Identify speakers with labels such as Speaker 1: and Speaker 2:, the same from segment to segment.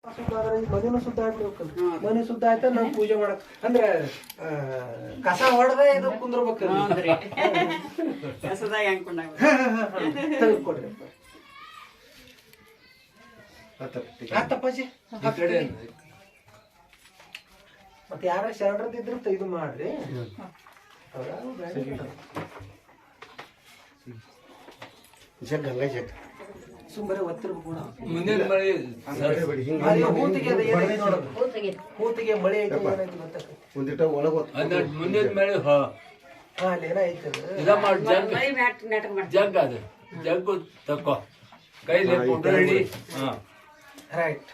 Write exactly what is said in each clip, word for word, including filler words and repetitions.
Speaker 1: ಮನೆನೂ ಸುದ್ದ ಆಗ್ಬೇಕಲ್ಲ, ಮನೆ ಸುದ್ದ ಆಯ್ತಾ ನಾವು ಪೂಜೆ ಮಾಡಕ್ ಅಂದ್ರೆ ಕಸ ಹೊಡೆದ ಇದು ಕುಂದ್ರಬೇಕಲ್ರಿ. ತೆಗೆದುಕೊಡ್ರಿ ಆತಪ್ಪಾಜಿ. ಮತ್ತೆ ಯಾರ ಶರಣರದಿದ್ರು ಇದು ಮಾಡ್ರಿ. ಸುಮ್ಮನೆ ಒತ್ತಿರ್ಬೇಕು. ಹೂತಿಗೆ ಮಳೆ ಐತೆ ಒಂದಿಟ ಒಳಗ ಮುಂದಿನ ಮಳೆ ಅಲ್ಲೇನ ಐತೆ ಜಗ್ ಅದು ಜಗ್ಗು ತಕೋ ಕೈಲಿ ಹಿಡಿ. ರೈಟ್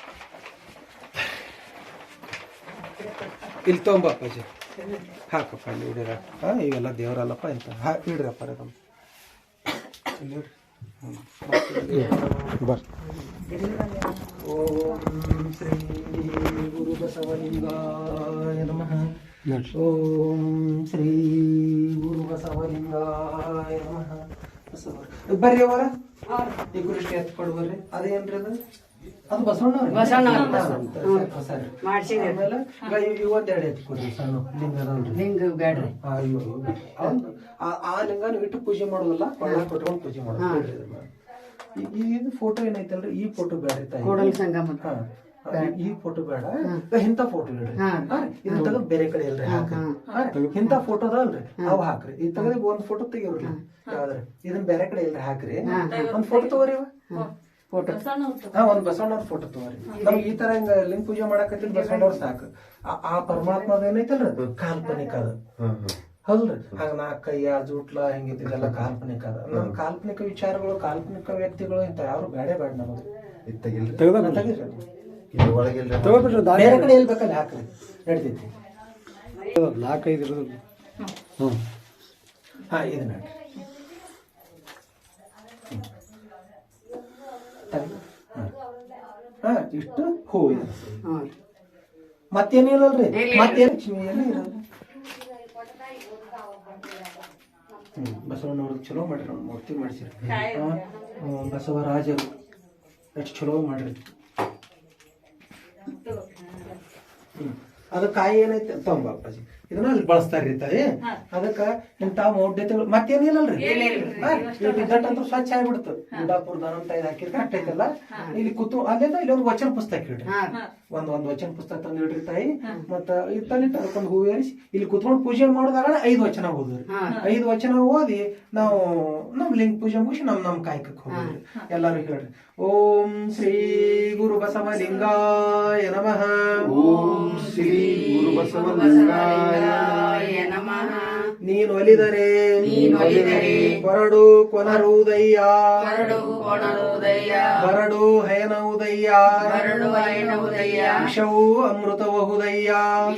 Speaker 1: ಇಲ್ಲಿ ತೊಗೊಂಬಪ್ಪಾಜಿ ಹಾಕಪ್ಪ ಇಲ್ಲಿ ಹಿಡಿರ. ಹಾಂ ಇವೆಲ್ಲ ದೇವರಲ್ಲಪ್ಪ ಇಂತ ಹಾ ಇಡ್ರಪ್ಪ ರಮ್ಮ ಇಲ್ಲಿ ಬರ್. ಓಂ ಶ್ರೀ ಗುರು ಬಸವಲಿಂಗಾಯ ನಮಃ. ಓಂ ಶ್ರೀ ಗುರು ಬಸವಲಿಂಗಾಯ ನಮಃ. ಬರ್ರಿ ಅವರ ಈ ಗುರುಷ್ಟಿ ಎತ್ಕೊಡ್ ಬರ್ರಿ. ಅದೇನ್ರಿ ಅದು ಅದು ಬಸವಣ್ಣ ಇವತ್ತೆರಡು ಎತ್ಕೊಡ್ರಿ ಸಣ್ಣ ಲಿಂಗ ಲಿಂಗ ಬ್ಯಾಡ್ರಿ. ಅಯ್ಯೋ ಆ ಲಿಂಗನ ಇಟ್ಟು ಪೂಜೆ ಮಾಡೋದಲ್ಲ, ಕೊಳ್ಳ ಕೊಟ್ಕೊಂಡು ಪೂಜೆ ಮಾಡೋದು. ಇದು ಫೋಟೋ ಏನೈತಲ್ರಿ, ಈ ಫೋಟೋ ಬೇಡ ತಾಯಿ, ಈ ಫೋಟೋ ಬೇಡ, ಇಂಥ ಫೋಟೋ ಇಡ್ರಿ. ಇದನ್ನ ತೆಗೆದು ಬೇರೆ ಕಡೆ ಇಲ್ರಿ ಹಾಕ್ರಿ. ಇಂಥ ಫೋಟೋ ಅದಾವಲ್ರಿ ಅವ್ ಹಾಕ್ರಿ. ಇದು ತೆಗೆದು ಒಂದ್ ಫೋಟೋ ತೆಗಿವ್ರಿ ಯಾವ್ದ್ರಿ, ಇದನ್ನ ಬೇರೆ ಕಡೆ ಇಲ್ರಿ ಹಾಕ್ರಿ. ಒಂದ್ ಫೋಟೋ ತಗೋರಿ ಫೋಟೋ. ಹಾ ಒಂದ್ ಬಸವಣ್ಣವ್ರ ಫೋಟೋ ತಗೋರಿ. ನಮ್ಗೆ ಈ ತರ ಹಿಂಗ ಲಿಂಗ ಪೂಜೆ ಮಾಡಕತ್ತಿದ್ ಬಸವಣ್ಣವ್ರ ಸಾಕು. ಆ ಪರಮಾತ್ಮದ ಏನೈತಲ್ರಿ ಕಾಲ್ಪನಿಕ ಅದ ಹೌದ್ರಿ. ಹಾಗ ನಾಲ್ಕು ಕೈಯ ಜೂಟ್ಲ ಹಿಂಗಿದ್ದೆಲ್ಲ ಕಾಲ್ಪನಿಕ ಅದ. ನಮ್ ಕಾಲ್ಪನಿಕ ವಿಚಾರಗಳು ಕಾಲ್ಪನಿಕ ವ್ಯಕ್ತಿಗಳು ಇಂತ ಯಾರು ಬೇಡ ಬೇಡ ನಮಗೆ. ಬೇರೆ ಕಡೆ ಇಲ್ಬೇಕಲ್ಲ ಹಾಕ್ರಿ ನಡ್ತೈತಿ. ನಾಲ್ಕೈದು ಇರೋದು. ಹ್ಮ್ ಹಾ ಇದು ನೋಡ್ರಿ ಹಾ ಇಷ್ಟು ಹೂ ಇದೆ. ಮತ್ತೇನಿಲ್ಲಲ್ರಿ, ಮತ್ತೇನು ಲಕ್ಷ್ಮಿ ಎಲ್ಲಿ ಇರೋದು. ಹ್ಮ್ ಬಸವಣ್ಣವ್ರಿಗೆ ಚಲೋ ಮಾಡ್ರಿ, ನಾವು ಮೂರ್ತಿ ಮಾಡಿಸಿರಿ. ಬಸವರಾಜರು ಎಷ್ಟು ಚಲೋ ಮಾಡ್ರಿ. ಹ್ಮ್ ಅದ ಕಾಯಿ ಏನೈತೆ ತೊಂಬ ಅಪ್ಪಾಜಿ ಇದನ್ನ ಅಲ್ಲಿ ಬಳಸ್ತಾರ್ರಿ ತಾಯಿ. ಅದಕ್ಕ ಇಂತ ಮೌಢ್ಯತೆಗಳು ಮತ್ತೇನಿಲ್ಲಲ್ರಿ. ಅಂತೂ ಸ್ವಚ್ಛ ಆಗ್ಬಿಡ್ತು. ಗುಡ್ಡಾಪುರ ದಾನಂತ ಇದು ಹಾಕಿದ್ರೆ ಕರೆಕ್ಟ್ ಐತಲ್ಲ. ಇಲ್ಲಿ ಕೂತು ಅಲ್ಲೆಲ್ಲ ಇಲ್ಲಿ ಒಂದು ವಚನ ಪುಸ್ತಕ ಇಡ್ರಿ. ಒಂದ್ ಒಂದ್ ವಚನ ಪುಸ್ತಕ ತಂದು ಇಡ್ರಿ ತಾಯಿ. ಮತ್ತ ಇತ್ತಲ್ಲಿ ತರ್ಕೊಂಡು ಹೂ ಏರಿಸಿ ಇಲ್ಲಿ ಕುತ್ಕೊಂಡು ಪೂಜೆ ಮಾಡಿದಾಗ ಐದು ವಚನ ಓದ್ರಿ. ಐದು ವಚನ ಓದಿ ನಾವು ನಮ್ ಲಿಂಗ ಪೂಜೆ ಮುಗಿಸಿ ನಮ್ ನಮ್ ಕಾಯಕಕ್ಕೆ ಹೋಗ್ರಿ. ಎಲ್ಲಾರು ಹೇಳ್ರಿ ಓಂ ಶ್ರೀ ಗುರು ಬಸವಲಿಂಗಾಯ ನಮಃ. ಓಂ ಶ್ರೀ ಗುರು ಬಸವಲಿಂಗಾಯ ನಮಃ. ನೀನು ಒಲಿದರೆ ಕೊರಡು ಕೊನರುದಯ್ಯ, ಬರಡು ಹಯನವುದಯ್ಯ, ವಿಷವು ಅಮೃತಬಹುದಯ್ಯ,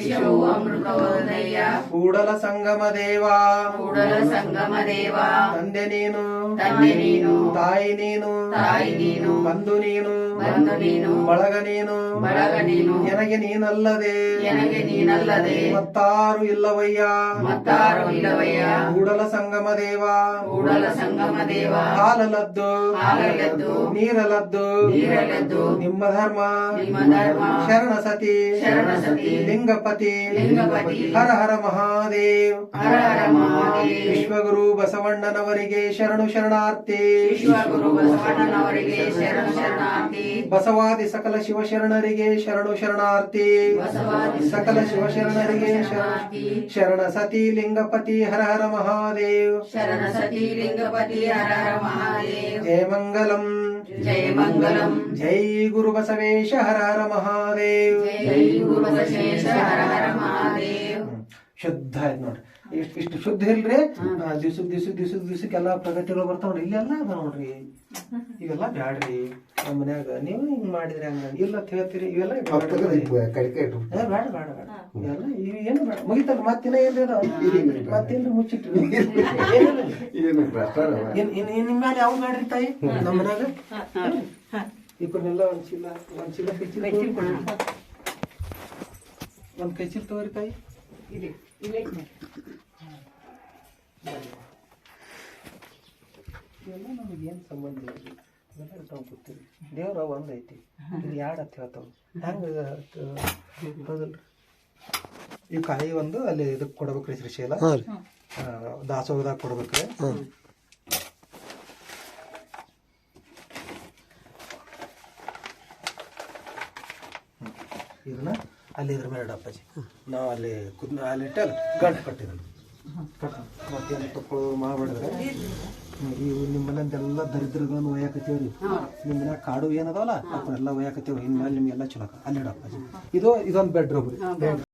Speaker 1: ಕೂಡಲ ಸಂಗಮ ದೇವ, ತಂದೆ ನೀನು ತಾಯಿ ನೀನು ಬಂಧು ನೀನು ಬಳಗ ನೀನು ನನಗೆ ನೀನಲ್ಲದೆ ಮತ್ತಾರು ಇಲ್ಲವಯ್ಯ. ಕೂಡಲ ಸಂಗಮ ದೇವ ಹಾಲಲದ್ದು ನೀರಲದ್ದು ನಿಮ್ಮ ಧರ್ಮ ಶರಣ ಸತಿ ಲಿಂಗಪತಿ ಹರ ಹರ ಮಹಾದೇವ್. ವಿಶ್ವಗುರು ಬಸವಣ್ಣನವರಿಗೆ ಶರಣು ಶರಣಾರ್ಥಿ. ಬಸವಾದಿ ಸಕಲ ಶಿವಶರಣರಿಗೆ ಶರಣು ಶರಣಾರ್ಥಿ. ಸಕಲ ಶಿವಶರಣರಿಗೆ ಶರಣ ಸತಿ ಲಿಂಗಪತಿ ಹರ ಹರ ಮಹಾದೇವ್.
Speaker 2: ಶರಣ ಸತಿ ಲಿಂಗಪತಿ ಹರ ಹರ ಮಹಾದೇವ್.
Speaker 1: ಜಯ ಮಂಗಲಂ
Speaker 2: ಜಯ ಮಂಗಲಂ.
Speaker 1: ಜೈ ಗುರು ಬಸವೇಶ ಹರ ಹರ ಮಹಾದೇವ್.
Speaker 2: ಜೈ ಗುರು ಬಸವೇಶ ಹರ ಹರ ಮಹಾದೇವ್.
Speaker 1: ಶುದ್ಧ ಆಯ್ತು ನೋಡ್ರಿ. ಇಷ್ಟ ಇಷ್ಟು ಶುದ್ಧ ಇಲ್ರಿ. ದಿವ್ಸ ದಿವ್ಸ ದಿವ್ಸ ದಿವ್ಸಕ್ಕೆಲ್ಲಾ ಪ್ರಗತಿಗಳು ಬರ್ತಾವ್ರಿ. ಇಲ್ಲೆಲ್ಲ ಅದ ನೋಡ್ರಿ. ಇವೆಲ್ಲ ಬ್ಯಾಡ್ರಿ. ನಮ್ಮ ಮನ್ಯಾಗ ನೀವು ಹಿಂಗ್ ಮಾಡಿದ್ರಿ ಹಂಗ ಇಲ್ಲ ಹೇಳ್ತೀರಿ. ಇವೆಲ್ಲ ಬೇಡ ಬೇಡ ಬೇಡ ಇವೆಲ್ಲ ಇವ್ ಏನು ಬೇಡ. ಮುಗಿತಲ್ಲ ಮತ್ತಿನ ಏನ್ರಿ ಅದಾವ ಮತ್ತೇನ್ರಿ ಮುಚ್ಚಿಟ್ರಿ. ನಿಮ್ ಮ್ಯಾಲ ಯಾವ ಬ್ಯಾಡ್ರಿ ತಾಯಿ. ನಮ್ಮ ಮನ್ಯಾಗ ಇಬ್ಬರನ್ನೆಲ್ಲ ಒಂದ್ ಚೀಲ ಒಂದ್ ಚೀಲ ಕೈ ಚೀಲ ಒಂದ್ ಕೈ ಚೀಲ ತಗೋರಿ ತಾಯಿ. ಇವೆಲ್ಲ ನಮಗೇನು ಸಂಬಂಧ ಇಲ್ಲ. ಕೂತೀವಿ ದೇವ್ರ ಒಂದ್ ಐತಿ ಇದು ಎರಡು ಅಂತ ಹೇಳ್ತಾವ ಹೆಂಗ ಹೌದಲ್ರಿ ಈ ಕಾಯಿ ಒಂದು ಅಲ್ಲಿ ಇದಕ್ಕೆ ಕೊಡ್ಬೇಕ್ರಿ ಶ್ರೀಶೈಲ ದಾಸೋಹದಾಗ ಕೊಡ್ಬೇಕ್ರಿ ಇದನ್ನ ಅಲ್ಲಿ ಇದ್ರ ಮೇಲೆ ಅಪ್ಪಾಜಿ ನಾವು ಅಲ್ಲಿ ಕುದ್ ಅಲ್ಲಿ ಇಟ್ಟಲ್ಲ ಗಂಟು ಕಟ್ಟಿದ್ರು ಮತ್ತೇನು ತಕ್ಕೊಳ್ಳೋದು ಮಾಡ್ಬಿಡಿದ್ರೆ ಇವು ನಿಮ್ಮನೆಲ್ಲ ದರಿದ್ರಗಳನ್ನು ಒಯ್ಯಾಕತ್ತೀವ್ರಿ ನಿಮ್ಮ ಮನ್ಯಾಗ ಕಾಡು ಏನದವಲ್ಲ ಅವನ್ನೆಲ್ಲ ಒಯ್ಯಾಕತ್ತೀವಿ ಇನ್ಮೇಲೆ ನಿಮ್ಗೆಲ್ಲ ಚಲೋ ಅಲ್ಲಿ ಇಡಪ್ಪಾಜಿ ಇದು ಇದೊಂದು ಬೆಡ್ರೂಮ್ ರೀ